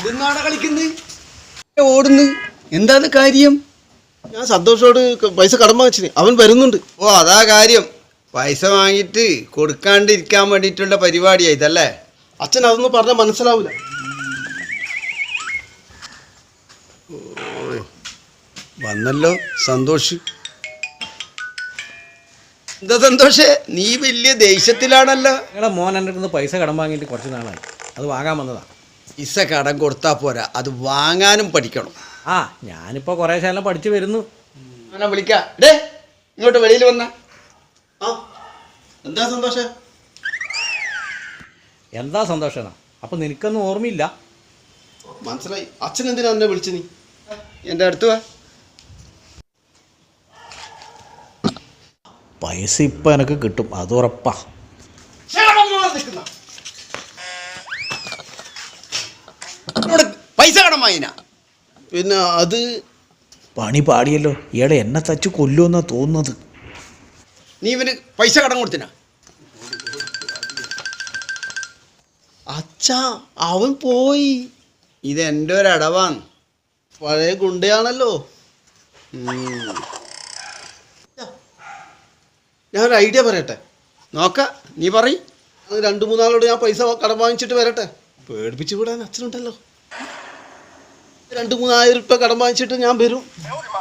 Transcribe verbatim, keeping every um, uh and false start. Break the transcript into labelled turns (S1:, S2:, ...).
S1: എന്താണ് കളിക്കുന്നത് ഓടുന്നു എന്താണ് കാര്യം? ഞാൻ സന്തോഷോട് പൈസ കടം വാങ്ങിച്ചിന്, അവൻ വരുന്നുണ്ട്.
S2: ഓ അതാ കാര്യം. പൈസ വാങ്ങിയിട്ട് കൊടുക്കാണ്ടിരിക്കാൻ വേണ്ടിയിട്ടുള്ള പരിപാടിയാ ഇതല്ലേ?
S1: അച്ഛൻ അതൊന്നും പറഞ്ഞാൽ മനസ്സിലാവൂല.
S2: വന്നല്ലോ സന്തോഷ്. എന്താ സന്തോഷേ, നീ വലിയ ദേഷ്യത്തിലാണല്ലോ.
S3: നിങ്ങളുടെ മോൻ എൻ്റെ അടുത്ത് പൈസ കടം വാങ്ങിയിട്ട് കുറച്ച് നാളായി, അത് വാങ്ങാൻ വന്നതാണ്.
S2: പൈസ കടം കൊടുത്താൽ പോരാ, അത് വാങ്ങാനും പഠിക്കണം.
S3: ആ ഞാനിപ്പോൾ കുറേ ശാലം പഠിച്ചു വരുന്നു.
S2: ഞാനാ വിളിക്കാം. ഡേ ഇങ്ങോട്ട് വെളിയിൽ വന്ന.
S1: ആ എന്താ സന്തോഷ?
S3: എന്താ സന്തോഷമാണ്? അപ്പം നിനക്കൊന്നും ഓർമ്മയില്ല?
S1: മനസ്സിലായി. അച്ഛൻ എന്തിനാ എന്നെ വിളിച്ചു? നീ
S2: എൻ്റെ അടുത്ത് വാ.
S3: പൈസ ഇപ്പം എനിക്ക് കിട്ടും, അത് ഉറപ്പാ.
S2: പൈസ കടം വാങ്ങിനാ?
S1: പിന്നെ അത്
S3: പണി പാടിയല്ലോ. ഇയാളെ എന്നെ തച്ച് കൊല്ലുമെന്നാ തോന്നുന്നത്.
S2: നീ ഇവന് പൈസ കടം കൊടുത്തിനാ?
S1: അച്ഛാ അവൻ പോയി.
S2: ഇത് എൻ്റെ ഒരു അടവാണ്.
S1: പഴയ ഗുണ്ടയാണല്ലോ. ഞാനൊരു ഐഡിയ പറയട്ടെ.
S2: നോക്ക, നീ പറയും.
S1: രണ്ടു മൂന്നാളോട് ഞാൻ പൈസ കടം വാങ്ങിച്ചിട്ട് വരട്ടെ. പേടിപ്പിച്ചു വിടാൻ അച്ഛനുണ്ടല്ലോ. രണ്ടു മൂന്നായിരം രൂപ കടം വാങ്ങിച്ചിട്ട് ഞാൻ വരും.